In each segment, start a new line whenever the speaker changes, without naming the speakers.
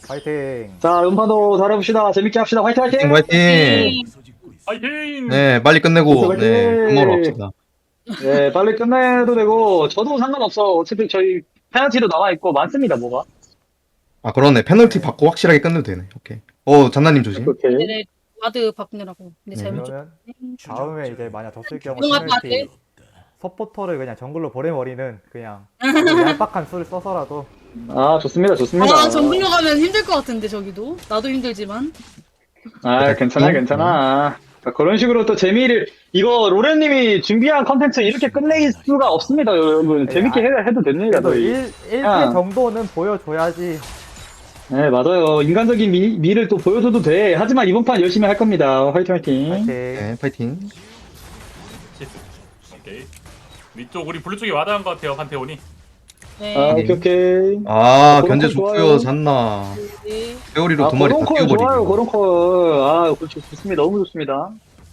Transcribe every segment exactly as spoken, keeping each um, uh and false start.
파이팅.
자, 음파도 잘해봅시다. 재밌게 합시다. 화이팅, 화이팅!
화이팅!
파이팅!
네, 빨리 끝내고,
화이팅!
네, 밥 먹으러 갑시다.
네, 빨리 끝내도 되고, 저도 상관없어. 어차피 저희 페널티도 나와있고, 많습니다, 뭐가.
아, 그러네. 페널티 받고 확실하게 끝내도 되네. 오케이. 어, 잔나님 조심.
오케이.
네네 와드 바꾸느라고. 근데
네.
잘못
그러면
줬네.
다음에 이제 만약 졌을 경우
이동한
페널티 서포터를 그냥 정글로 보내버리는 그냥 얄팍한 수를 써서라도.
아, 좋습니다, 좋습니다.
아 정글로 가면 힘들 것 같은데 저기도 나도 힘들지만.
아, 괜찮아, 괜찮아. 자, 그런 식으로 또 재미를, 이거 로렌님이 준비한 컨텐츠 이렇게 끝낼 수가 없습니다, 여러분. 재밌게 해, 해도 됩니다,
그래도
저희.
일, 일 패
아.
정도는 보여줘야지.
네, 맞아요. 인간적인 미, 미를 또 보여줘도 돼. 하지만 이번 판 열심히 할 겁니다. 화이팅, 화이팅.
파이팅.
네, 파이팅.
오케이. 위쪽 우리 블루 쪽에 와닿은 것 같아요 판테온이.
네.
아, 오케이, 오케이.
아,
그런
견제
거 좋아요.
좋고요, 잔나.
네.
회오리로
아,
두 마리 다
고런 콜 좋아요,
뛰어버리고.
고런 콜. 아, 그렇죠. 좋습니다. 너무 좋습니다.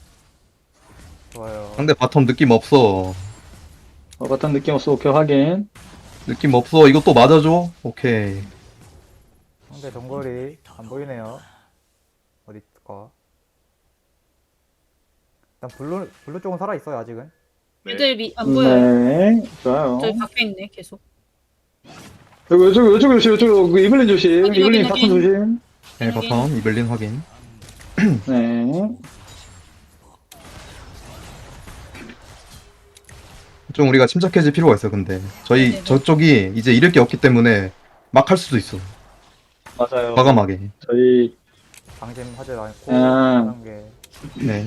좋아요.
상대 바텀 느낌 없어.
어, 같은 느낌 없어. 오케이, 확인.
느낌 없어. 이거 또 맞아줘? 오케이.
상대 정글이 안 보이네요. 어디 있을까? 일단 블루 블루 쪽은 살아 있어요 아직은.
네.
애들 미, 안 보여요.
네, 좋아요.
저기 밖에 있네 계속.
여기, 이쪽, 이쪽 조심, 이쪽, 그 이블린 조심.
확인,
이블린
확인,
바텀 조심.
네, 바텀, 이블린 확인.
네.
좀 우리가 침착해질 필요가 있어, 근데. 저희,
네네.
저쪽이 이제 잃을 게 없기 때문에 막 할 수도 있어.
맞아요.
과감하게.
저희,
방심하지 않고
아.
하는 게.
네.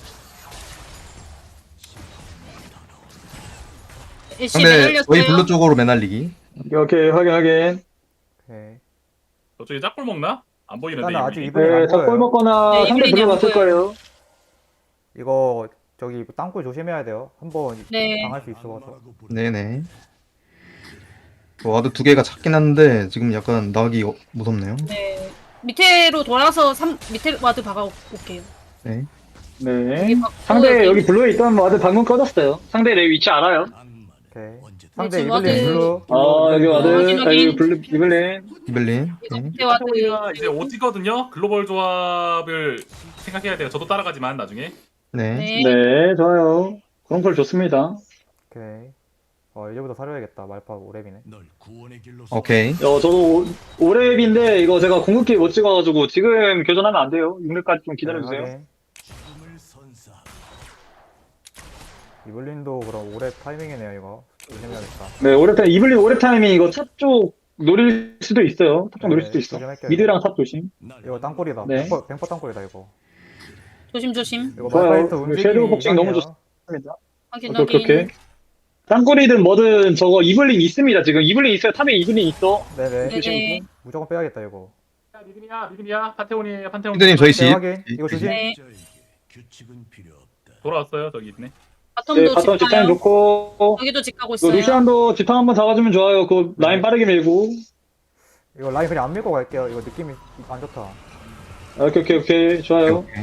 애쉬
상대,
매달렸어요.
저희 블루 쪽으로 매날리기.
오케이, 오케이, 확인, 확인.
오케이.
저쪽에 짝골 먹나? 안 보이는데
일단은 아직
이미.
이블린
네,
안
자, 골
보여요.
먹거나
네,
상대
이블린이
블루
안
갔을
보여요.
거예요.
이거 저기 땅굴 조심해야 돼요. 한번
네.
당할 수 있어서.
네네. 와드 두 개가 작긴 한데, 지금 약간 나가기 어- 무섭네요.
네. 밑에로 돌아서 삼 밑에 와드 박아 올게요.
네.
네.
여기 받고
상대
여기-
여기 블루에 있던 와드 방금 꺼졌어요. 상대 내 위치 알아요?
오케이. 상대
지금
이블린
와드-
블루.
아, 여기 와드.
확인,
아,
확인.
여기 블루, 이블린.
이블린.
이거
오케이.
밑에 와드.
판테온이가 이제 오지거든요. 글로벌 조합을 생각해야 돼요. 저도 따라가지만 나중에.
네.
네.
네, 좋아요. 그런 걸 좋습니다.
오케이. 어 이제부터 사려야겠다. 말파 오랩이네.
오케이.
어, 저도 오 랩인데 이거 제가 궁극기 못 찍어가지고 지금 교전하면 안 돼요. 육 렙까지 좀 기다려주세요.
네, 이블린도 그럼 오랩 타이밍이네요 이거. 조심해야겠다.
네, 오 렙 타임, 이블린 오 렙 타이밍 이거 탑 쪽 노릴 수도 있어요. 탑 쪽 노릴
네,
수도 있어.
조심할게요,
미드랑 탑 조심.
이거 땅굴이다.
네.
뱅퍼, 뱅퍼 땅굴이다 이거.
조심 조심.
이거
좋아요.
말파이트
이거
움직임이
섀도우 복싱 너무
이상해요.
좋습니다.
확인
오케이, 오케이,
확인.
오케이. 땅굴이든 뭐든 저거 이블린 있습니다. 지금 이블린 있어요. 탑에 이블린 있어.
네네.
네.
조심.
무조건 빼야겠다 이거.
야, 믿음이야, 믿음이야. 판테온이에요, 판테온.
피드님 저희
네,
집.
확인. 이거 조심.
네.
돌아왔어요. 저기 있네.
바텀도
네, 바텀
집
집타임
가요.
좋고.
여기도 집 가고
이거
있어요.
루시안도 집탐 한번 잡아주면 좋아요. 그 라인 빠르게 밀고.
이거 라인 그냥 안 밀고 갈게요. 이거 느낌이 안 좋다.
오케이, 오케이, 오케이. 좋아요.
오케이.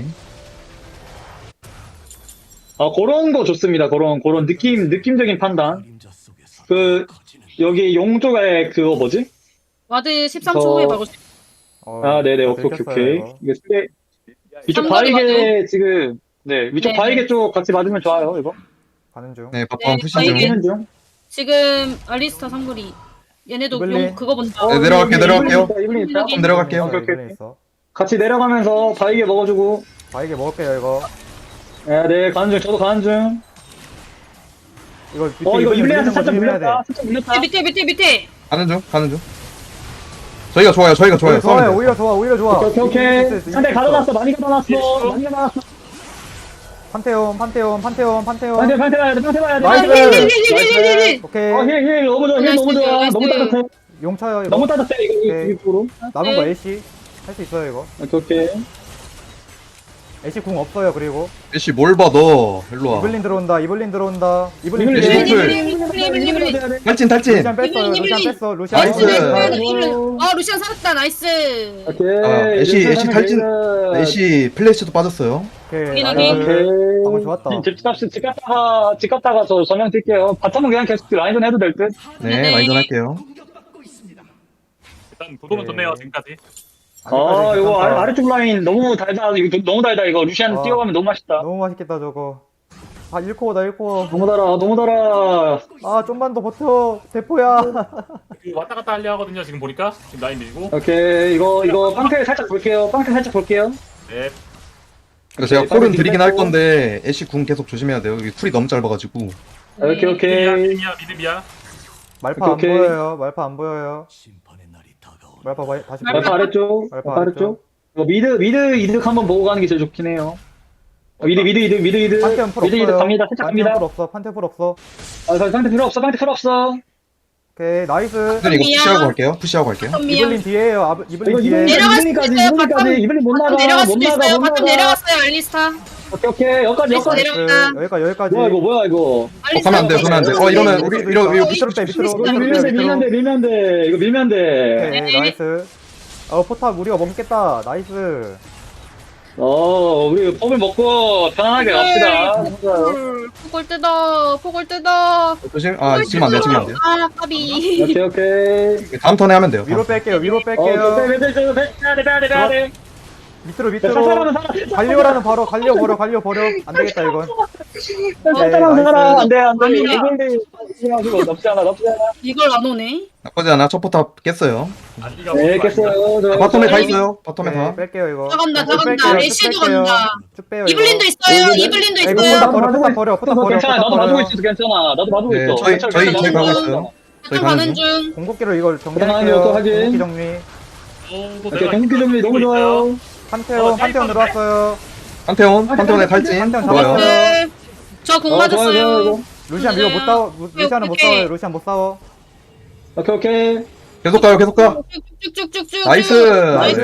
아, 그런 거 좋습니다. 그런, 그런 느낌, 느낌적인 판단. 그, 여기 용 쪽에 그거 뭐지?
와드 십삼 초
저-
후에 박을 수 있어요.
어,
아, 네네.
다
오케이, 오케이,
들켰어요,
오케이.
이거.
이게 스페, 위쪽
삼거리
바이게 지금, 네, 위쪽
네네.
바이게 쪽 같이 맞으면 좋아요, 이거.
가는 중.
네, 바텀
네,
푸시
저희-
중.
치는 중.
지금 알리스타 삼거리. 얘네도
이블린.
용 그거 본다.
네, 내려갈게요, 내려갈게요.
이블린 있다, 이블린 있다.
이블린.
내려갈게요.
이블린 있어,
오케이,
이블린 있어.
같이 내려가면서 바이게 먹어주고.
바이게 먹을게요 이거.
네, 네, 가는 중. 저도 가는 중.
이거 밑에
어, 이거
이블린
이블린한테
물리는 거
살짝
조심해야 돼.
물렸다. 살짝 물렸다.
밑에 밑에 밑에 밑에.
가는 중, 가는 중. 저희가 좋아요, 저희가 좋아요.
오히려 좋아요.
싸우면 돼.
오히려 좋아. 오히려 좋아.
오케이, 오케이,
이길 수
오케이.
있어, 이길
상대
수 있어.
가둬놨어. 많이 가둬놨어. 많이 가둬놨어.
판테온, 판테온, 판테온, 판테온.
판테, 판테 봐야 돼, 판테 봐야 돼.
나이스.
힐힐힐힐힐힐.
오케이.
어, 힐, 힐, 너무 좋아, 힐 너무 좋아.
나이스,
너무
나이스.
따뜻해.
용 쳐요 이거.
너무 따뜻해, 이거,
오케이.
이쪽으로.
남은 거
네.
애쉬. 할 수 있어요 이거.
오케이, 오케이.
애쉬 궁 없어요 그리고.
애쉬 뭘 봐, 너. 일로 와.
이블린 들어온다. 이블린 들어온다. 이블린
이블린,
애쉬
이블린
노플.
이블린, 이블린, 이블린.
탈진, 탈진.
루시안 뺐어요.
이블린,
루시안
이블린.
뺐어. 루시안
나이스
나이스.
뺐어.
나이스. 이블린. 아 루시안 살았다. 나이스.
오케이.
아, 애쉬,
이제
애쉬
사람이
탈진.
되면-
애쉬 플래시도 빠졌어요.
오케이.
확인,
나이스.
확인.
오케이.
방금 좋았다.
집 값이 집 갔다가 집 갔다가 저 전면 뛸게요. 바텀은 그냥 계속 라인전 해도 될 듯.
네,
네.
라인전 할게요.
일단 구도는
네.
좋네요. 지금까지.
아,
아직까지
이거
괜찮다.
아래, 아래쪽 라인 너무 달다. 이거 너무 달다. 이거 루시안
아.
뛰어가면 너무 맛있다.
너무 맛있겠다 저거. 아 일 코어다 일 코어.
너무 달아, 너무 달아.
아 좀만 더 버텨 대포야.
그 왔다 갔다 하려 하거든요. 지금 보니까 지금 라인 밀고.
오케이, 이거, 이거 빵태 살짝 볼게요. 빵태 살짝 볼게요.
네.
그래서 제가
오케이,
콜은
빨리
드리긴 할
뺐고.
건데 애쉬 궁 계속 조심해야 돼요. 여기 쿨이 너무 짧아가지고.
오케이,
미드미야,
오케이.
미드미야, 미드미야.
말파 안
오케이, 오케이.
보여요. 말파 안 보여요. 말파 봐- 다시
말파
말파
보여.
아래쪽.
말파
말파 아래쪽. 이거 미드, 미드 이득 한번 보고 가는 게 제일 좋긴 해요. 어, 미드, 미드, 이득, 미드, 이득.
판테온 풀
미드, 이득
없어요.
갑니다. 살짝
판테온 풀
갑니다.
없어. 판테온 풀 없어.
아, 상태 필요 없어, 상태 필요 없어.
오케이 나이스.
일단 이거
미야.
푸시하고 갈게요. 푸시하고 갈게요.
이블린 뒤에요. 아, 이블린
이거
뒤에.
이블린,
내려갈
이블린까지,
수도 있어요.
이블린까지,
바텀-
이블린 못 나가,
바텀 내려갈
못
수도
나가,
있어요.
못
바텀
나가.
내려갔어요 알리스타.
오케이, 오케이. 여기까지,
나이스,
여기까지.
내려-
나이스. 여기까지 여기까지.
뭐야, 이거, 뭐야, 이거.
어, 가면 안 돼, 가면 안 돼. 어, 이러면 우리 이러 이러
이거 밑으로 빼 밑으로.
이거
밑으로
밀면 돼,
빼요,
밀면 돼,
밑으로.
밀면 돼. 이거 밀면 돼.
오케이 나이스. 어 포탑 우리가 먹겠다. 나이스.
어, 우리 폼을 먹고 편안하게 갑시다.
폭을 폭을 뜯어 폭을 뜯어.
조심. 아 지금 안 돼, 지금 안 돼요.
아 까비.
오케이, 오케이.
다음 턴에 하면 돼요.
위로 뺄게요. 위로
어, 빼,
뺄게요.
빼, 빼, 빼, 빼, 빼야 돼, 빼야 돼, 빼야 돼.
밑으로
살살하면
밑으로.
살아.
갈리오라는 바로 갈리오 버려 갈리오 버려. 안 되겠다 이건.
살살하면
네,
살아.
나이스.
안 돼, 안 돼.
갑니다.
이걸리 조심하시고 나쁘지 않아, 나쁘지 않아.
이걸 안 오네.
나쁘지 않아. 첫 포탑 깼어요.
안디가
네,
뭐
깼어요. 저-
아, 바텀에 다
아니,
있어요. 바텀에
오케이,
다.
뺄게요 이거.
나간다
쭉
나간다.
뺄게요, 쭉
애쉬도
뺄게요.
간다.
쭉 빼요. 이거.
이블린도 있어요.
이거-
이블린도
이거
있어요.
포탑 버려 포탑 버려 포탑 버려.
괜찮아,
포탑
나도
버려.
봐주고 있어, 괜찮아. 나도 봐주고
네,
있어.
저희
괜찮아,
저희
괜찮아,
저희 가고
괜찮아.
있어요. 저희
가는
가는 중.
중.
공격기로 이걸
가능하면 또
정리할게요.
하긴.
공격기 정리.
어, 또
오케이,
내가
공기 정리 너무
있어요.
좋아요.
판테온
어,
판테온
짧은데?
들어왔어요.
판테온, 판테온의 탈진.
판테온
좋아요.
잡았어요.
네. 저공
어, 좋아요, 좋아요,
맞았어요.
이거.
루시안 이거 못 싸워. 루- 루시안은 못
오케이.
싸워요. 루시안 못 싸워.
오케이, 오케이.
계속 가요, 계속 가.
쭉쭉쭉쭉.
나이스.
나이스.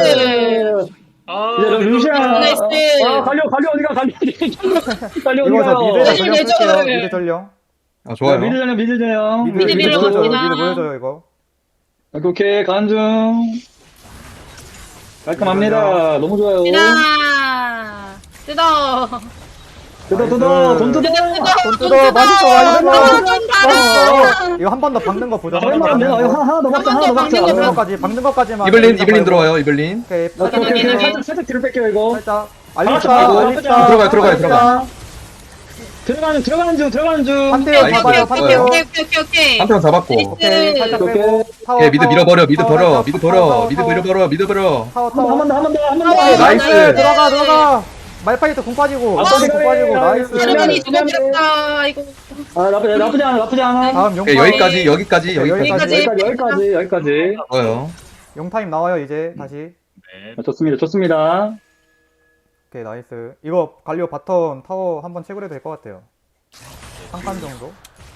아,
이제 루시안.
나이스.
아, 갈려, 갈려, 어디가, 갈려, 갈려,
이거 저 미드
어디가.
전령
내줘.
쓸게요. 미드 전령.
아 좋아요.
미드 전형, 미드 전형.
미드
미드
미드
밀어
보여줘요.
봅니다.
미드 보여줘요 이거.
오케이, 오케이, 가는 중. 깔끔합니다. 너무 좋아요.
나 뜯어.
뜯어, 뜯어, 돈 뜯어.
돈 뜯어. 맛있어 맛있어.
돈 달아.
맛있어. 이거 한 번 더 박는 거 보자.
아, 얼마 안 돼. 어, 이거 하나 더 박자, 하나 더 박자.
박는
박는
거
것까지 박는 것까지만.
이블린, 이블린 들어와요, 이블린.
오케이.
오케이, 오케이, 오케이.
확인해.
살짝, 살짝 뒤로 뺄게요, 이거.
살짝.
아,
알리스타
나쁘지
알리스타.
들어가요, 들어가요, 들어가요.
들어가는, 들어가는 중, 들어가는 중.
판테온
나이스.
잡아요.
오케이
판테온.
오케이 오케이 오케이 오케이.
판테온 잡았고.
오케이. 살짝
오케이.
빼고. 타워.
오케이, 미드
타워,
밀어버려, 미드
타워,
버려,
타워,
미드
타워,
버려,
타워,
미드
타워.
밀어버려, 미드 버려.
타워
한 번,
타워.
한 번 더, 한 번 더, 한 번 더.
타워.
나이스.
들어가 들어가. 말파이트 공 빠지고.
아,
말파이트 공
그래.
빠지고.
아,
나이스.
그래.
여러분이
미안해.
두고 길었다 이거.
아, 나쁘지, 나쁘지 않아, 나쁘지 않아.
다음
오케이,
용타임.
여기까지, 여기까지,
오케이,
여기까지.
여기까지.
여기까지, 여기까지, 여기까지.
좋아요.
용타임 나와요 이제 다시.
네.
아, 좋습니다, 좋습니다.
오케이 나이스. 이거 갈리오 바텀 타워 한번 채굴해도 될 것 같아요. 한 칸 정도.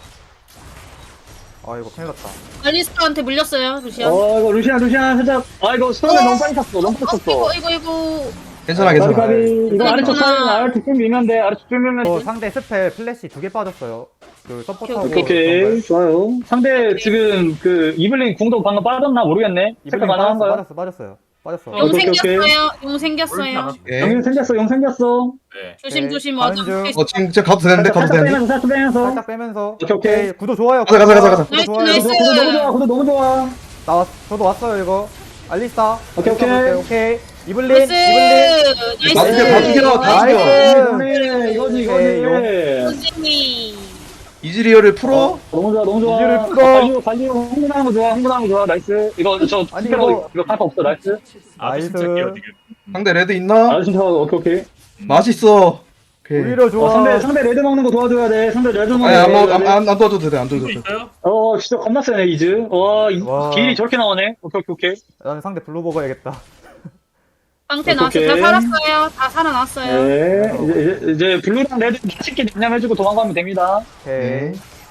아 이거 큰일 났다.
알리스타한테 물렸어요 루시안.
어, 이거 루시안, 루시안 살짝. 아, 이거 스톤을
어?
너무 빨리 탔어, 너무 빨리
어,
탔어.
이거 이거 이거.
괜찮아,
까비,
괜찮아.
까비. 이거 아래쪽
괜찮아.
사이는 아래쪽 좀 밀면 돼, 아래쪽 좀 밀면
어,
돼.
상대 스펠 플래시 두 개 빠졌어요. 그 서포터하고.
오케이, 오케이. 좋아요. 상대 지금 그 이블린 궁도 방금 빠졌나 모르겠네. 체크
이블린 빠졌어
가능한가요?
빠졌어 빠졌어요. 빠졌어.
용
오케이, 오케이.
생겼어요. 용 생겼어요.
오케이.
영 생겼어, 영 생겼어.
네.
조심
오케이.
조심
가는
와도.
중.
어, 지금, 지금 가도 되는데, 가도
살짝
되는데.
빼면서, 살짝 빼면서.
살짝 빼면서.
오케이, 오케이.
구도 좋아요.
가자, 가자, 가자, 가자.
구도
나이스,
좋아요.
나이스.
구도 너무 좋아, 구도 너무 좋아.
나 왔, 저도 왔어요 이거. 알리스타.
오케이,
알리스타
오케이.
볼게요. 오케이. 이블린.
나이스.
이블린.
다 죽여, 다 죽여, 다
나이스.
죽여.
이거네, 이거지,
오케이,
이거지.
선생님.
이즈리얼을 풀어.
너무 좋아, 너무 좋아.
이즈를 풀어.
달리오, 달리오, 흥분하는 거 좋아, 흥분하는 거 좋아. 나이스. 이거, 저,
아니,
스페러,
이거-
이거 카파 없어, 나이스.
아,
나이스.
침착해요 지금.
상대 레드 있나?
아, 진짜, 오케이, 오케이.
맛있어. 오케이.
오히려 좋아.
어, 상대, 상대 레드 먹는 거 도와줘야 돼. 상대 레드 먹는 거.
아니, 안, 먹,
도와줘야
안,
돼.
안, 안 도와줘도 돼, 안
또
도와줘도 돼.
있어요?
어, 진짜 겁나 세네, 이즈. 와, 이,
와.
길이 저렇게 나오네. 오케이, 오케이, 오케이.
나는 상대 블루 먹어야겠다.
빵태 나왔어요. 다
오케이.
살았어요. 다 살아났어요.
네. 이제, 이제, 이제 블루랑 레드 맛있게 냠냠해주고 도망가면 됩니다.
오케이.
네.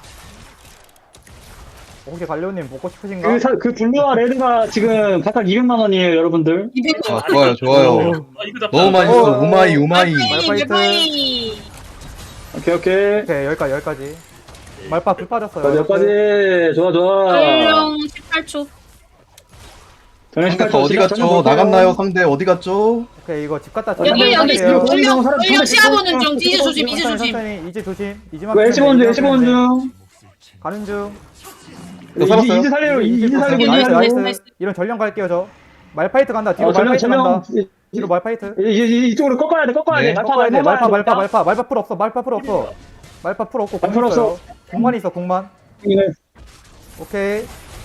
혹시 갈리오님 먹고 싶으신가?
그, 사, 그 블루와 레드가 지금 각각 이백만 원이에요, 여러분들.
이백
아, 좋아요, 좋아요.
아, 이거 잡자.
너무 맛있어.
어,
우마이, 우마이.
말파이트.
말파이.
오케이, 오케이.
오케이 여기까지 여기까지. 말파 불 빠졌어요.
몇 가지. 좋아, 좋아.
얼령 십팔 초.
전혀
상대 거 어디 갔죠? 나갔나요? 상대 어디 갔죠?
오케이 이거 집 갔다
여기,
전화
여기,
드릴게요.
여기.
얼령
사람
얼령
손에
시야보는 중.
손에
이제 조심 이제
천천히,
조심.
천천히 이제 조심. 이지만
이거 애쉬본 중, 애쉬본 중.
가는 중.
이거 살았어요?
이즈 살리러, 이즈 살리고
나이스
있는
나이스.
나이스.
이런 전령 갈게요 저. 말파이트 간다. 뒤로
어, 전령,
말파이트 간다.
전령.
뒤로 말파이트.
이, 이, 이쪽으로 꺾어야 돼, 꺾어야
네.
돼. 말파,
꺾어야 돼. 말파, 말파,
말파.
말파, 말파. 말파 풀 없어. 말파 풀 없어. 말파 풀 없고
말파
공 있어요.
없어.
공만 있어. 공만. 오케이.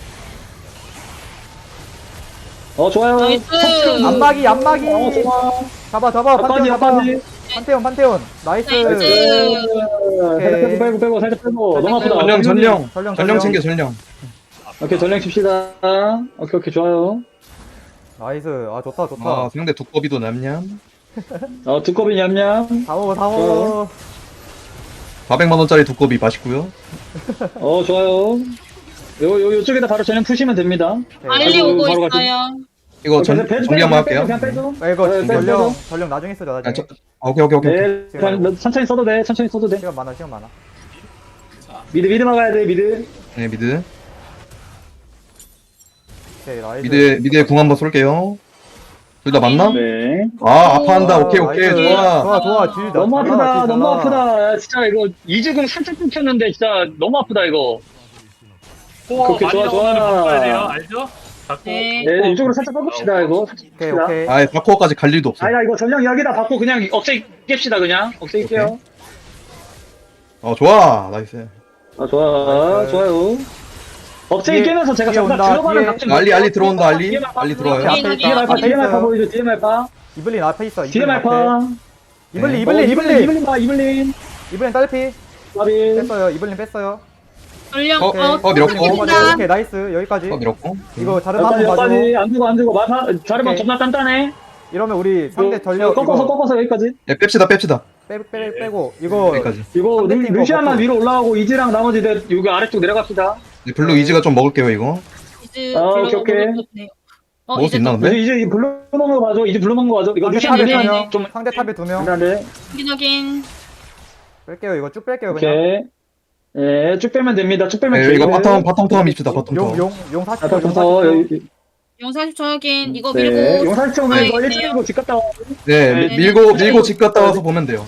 어, 좋아요.
나이스.
안마기, 안마기.
어, 좋아.
잡아, 잡아.
앞까지,
판테온 잡아.
앞까지.
판테온, 판테온. 나이스.
나이스.
살짝 빼고, 빼고, 빼고, 살짝 빼고. 너무 아프다.
전령 전령
전령,
전령
전령.
챙겨 전령.
오케이, 전령 칩시다. 오케이, 오케이, 좋아요.
나이스. 아, 좋다, 좋다.
아 상대 두꺼비도 냠냠.
어, 두꺼비 냠냠.
다 먹어, 다 먹어.
사백만 원짜리 두꺼비 맛있고요.
어, 좋아요. 요, 요, 요쪽에다 바로 전령 푸시면 됩니다.
빨리
아이고,
오고
바로 가지.
있어요.
이거 전
그냥 빼줘,
정리 한번
빼줘,
할게요.
그냥 빼줘.
아, 이거
네, 빼줘.
전령, 전령 나중에 쓰자, 나중에.
아, 저, 아, 오케이 오케이 오케이.
네, 그냥 너 천천히 써도 돼, 천천히 써도 돼.
시간 많아, 시간 많아.
미드, 미드 막아야 돼, 미드.
네 미드
오케이, 나이스.
미드 미드에 궁 한번 쏠게요. 둘 다 맞나?
네.
아 아파한다. 오케이 오케이
나이스.
좋아.
좋아, 좋아. 딜
너무
잘
아프다,
나와, 딜
너무
잘 나와.
아프다. 진짜 이거 이즈궁 살짝 끊겼는데 진짜 너무 아프다 이거.
코어
오케이,
많이
좋아,
나오면
좋아.
바꿔야 돼요. 알죠? 자꾸
네.
네, 이쪽으로 살짝 꺾읍시다 이거. 살짝
오케이,
꺾읍시다.
오케이.
아예 다코어까지 갈 일도 없어.
아야 이거 전령 이야기다 받고 그냥 억제 깹시다 그냥. 억제 깰게요.
어 좋아 나이스.
아 좋아,
나이스.
좋아요. 억제
뒤에-
깨면서 제가
뒤에
잠깐
온다,
들어가는
뒤에.
작전.
알리 알리 들어온다 알리
뒤에 말파,
알리 들어와요.
앞에 있다,
뒤에 말파,
앞에
뒤에 말파
있어요.
보이죠? 뒤에 말파.
이블린 앞에 있어.
뒤에
이블린 앞에.
말파.
이블린,
네.
이블린,
어,
이블린.
이블린 봐, 이블린.
이블린 딸피.
마비.
뺐어요. 이블린 뺐어요.
전령
어,
어,
어, 밀었고.
이블린
다
뽑아줘. 오케이, 나이스. 여기까지.
어 밀었고.
이거 자르마
여기까지,
한번 봐줘.
여기까지. 안 주고, 안 주고. 말파, 자르면
오케이.
겁나 단단해.
이러면 우리 상대
이거
전력
꺾어서,
이거
꺾어서 여기까지.
예 뺍시다 뺍시다.
빼, 빼, 빼고 이거
여기까지.
이거
상대
루,
팀
루시안만
거
위로 올라가고 이즈랑 나머지 들 여기 아래쪽 내려갑시다.
네, 블루 이즈가 좀 먹을게요 이거.
이제
아,
불러서
오케이, 오케이.
먹어도 돼요. 어,
먹을 수
이제
있나
또
근데?
이제 이제 블루 먹는 거 봐줘. 이제 블루 먹는 거 봐줘. 이거
상대
루시안
탑에
네,
두
미드
명,
좀
상대 탑에 두 명.
안돼.
확인 확인.
뺄게요. 이거 쭉 뺄게요. 그냥.
오케이. 예, 쭉 빼면 됩니다. 쭉 빼면
네, 이거
돼요.
바텀 바텀 타워 밉시다 바텀
용,
타워.
용, 용 사십
아,
초, 용
바텀부터
사십 초.
여기.
용 사십 초 확인. 이거
네.
밀고.
용산 쪽은
네,
이거
네.
일 층으로 집 갔다 와.
네
네.
미- 밀고 밀고 집 갔다 와서 보면 돼요.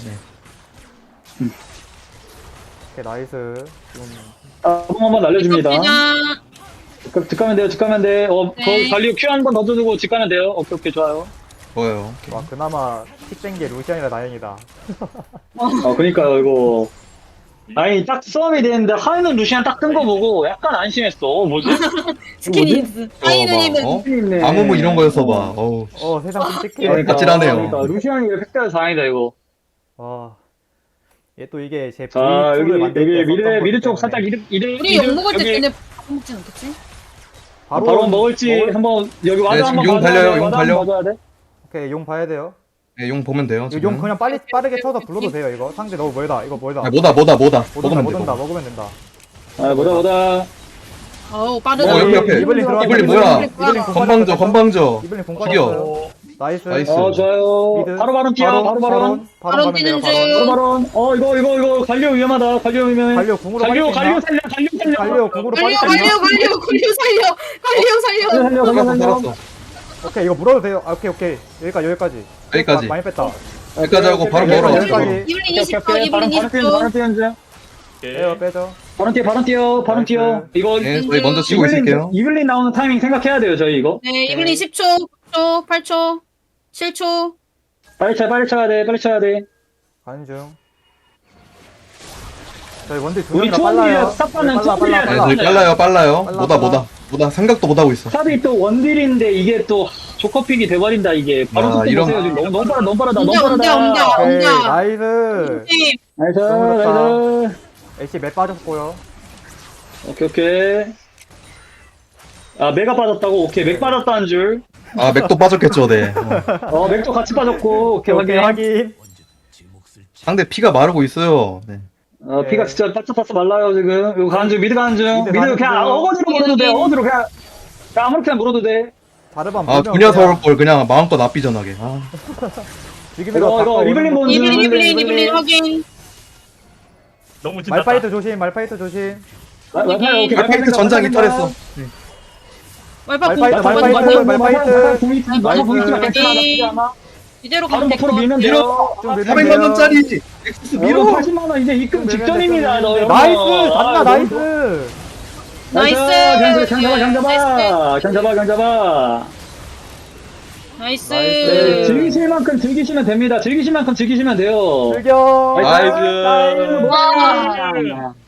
네.
오케이, 나이스. 지금
아, 한번 날려줍니다.
시작.
집, 집 가면 돼요. 집 가면 돼. 어,
네.
거 관리 큐 한 번 넣어주고 집 가면 돼요. 오케이, 오케이, 좋아요.
좋아요. 오케이.
와, 그나마 픽된 게 루시안이라 다행이다.
어, 그니까요, 이거. 아니, 딱 싸움이 되는데, 하이는 루시안 딱 뜬 거 보고 약간 안심했어. 어, 뭐지?
스키니스. 하이드님은
어?
있네.
아무 뭐 이런 거였어 봐. 어우.
어, 세상 끔찍해.
그러니까,
아찔하네요.
그러니까, 루시안이 왜 팩트가 다행이다, 이거.
와. 얘 또 이게 제
자, 여기,
브이투를 만들
여기,
때
미드,
썼던
미드
거기
쪽
때문에.
살짝 이득, 이득,
우리
이득,
욕 먹을 때
여기
전에 밥 먹진 않겠지?
바로
바로 먹을지
먹을-
한번, 여기 와드
네,
한번
지금 용
봐줘야
달려요,
돼,
용
와드
달려.
한번 봐줘야 돼.
오케이, 용 봐야 돼요.
네, 용 보면 돼요.
이거
지금.
용 그냥 빨리 빠르게 쳐서 불러도 돼요. 이거 상대 너무 멀다. 이거 멀다.
아, 뭐다 뭐다 뭐다.
못 온다,
먹으면
못
돼.
온다.
먹으면.
먹으면 된다.
아, 뭐다, 뭐다.
어우
어,
빠르다.
옆에, 옆에.
이블린 들어왔다.
이블린 뭐야?
이블린 공
건방져
빠졌어.
건방져.
이블린 공
죽여.
빠졌어요.
어,
나이스.
나이스.
어, 좋아요.
미드.
바로 바로 뛰어, 바로 바로.
바로
바로
바로 가면 돼요.
뛰는
바로.
중.
바로 바로. 어, 이거, 이거, 이거, 관료 위험하다. 관료 위험해.
갈려 궁으로
관료,
빨리
관료
뛴다.
살려, 관료 살려.
갈려 궁으로 빨리
관료
뛴다.
관료 관료 관료 살려. 관료 살려.
관료 살려, 관료
살았어
살려.
살았어.
오케이, 이거 물어도 돼요. 아, 오케이, 오케이. 여기까지, 여기까지.
여기까지.
마- 많이 뺐다.
여기까지 하고 바로
오케이,
멀어.
여기까지.
바로.
이블린 이십 초.
오케이, 바로,
이블린
바로
이십
뛰는, 바로
초.
뛰는 중.
오케이.
빼요, 빼죠.
바로 뛰어, 바로 뛰어, 바로
나이스.
뛰어. 이거,
네, 저희 먼저 치고
이블린,
있을게요.
이블린 나오는 타이밍 생각해야 돼요, 저희 이거.
네, 이블린 십 초, 구 초, 팔 초, 칠 초.
빨리 쳐, 빨리 쳐야 돼, 빨리 쳐야 돼.
가는 중. 저희 원딜 두
우리
명이라
초원딜이야,
빨라요.
스탑하는
빨라, 빨라,
초원딜이야.
네,
빨라.
저희 빨라요 빨라요.
빨라,
뭐다
빨라.
뭐다 뭐다 생각도 못 하고 있어.
탑이 또 원딜인데 이게 또 조커픽이 돼버린다, 이게. 바로
야,
속도
이런-
보세요, 지금. 너무, 너무 빠르다, 너무 빠르다, 너무
옮겨,
빠르다.
옮겨, 옮겨.
오케이,
온다.
나이스.
네,
나이스,
너무 좋다.
나이스.
애쉬 맵 빠졌고요.
오케이, 오케이. 아, 맥가 빠졌다고? 오케이, 맥 빠졌다는 줄.
아 맥도 빠졌겠죠, 네. 어.
어, 맥도 같이 빠졌고. 오케이,
오케이,
확인.
확인.
상대 피가 마르고 있어요. 네.
어, 피가 진짜 빠짝빠짝 말라요, 지금. 이거 가는 중, 미드 가는 중.
미드
미드
가는
그냥
중.
어거지로 물어도 돼, 어거지로 그냥. 그냥 아무렇게나 물어도 돼.
자르반
아
보면
두녀
그냥
서울 걸 그냥 마음껏 납비전하게. 아.
지금
이거, 이거,
바꿔
리블린
오는 거.
보는 중.
이블린 이블린
이블린,
이블린 확인.
너무 진다.
말파이트 조심, 말파이트 조심.
말- 말파이트, 오케이,
말파이트
말파이트
전장
말파이트
이탈했어.
말파 공
말파이트,
맞아,
말파이트,
맞아, 맞아.
말파이트.
공이 있지, 맞아, 공이 있지만 괜찮아, 나쁘지 않아.
이대로
바로
가면 될 것
앞으로 밀면
같아.
돼요.
좀 밀면
사백만
돼요.
원짜리 엑스스
밀어
밀어.
팔십만 원 이제 입금
좀 밀면
직전입니다.
돼요.
너 여러분.
나이스!
아,
잔나,
너무
나이스!
나이스.
그냥 잡아, 그냥 잡아,
나이스.
그냥 잡아, 그냥 잡아.
나이스.
네, 즐기실 만큼 즐기시면 됩니다. 즐기실 만큼 즐기시면 돼요.
즐겨.
나이스.
와.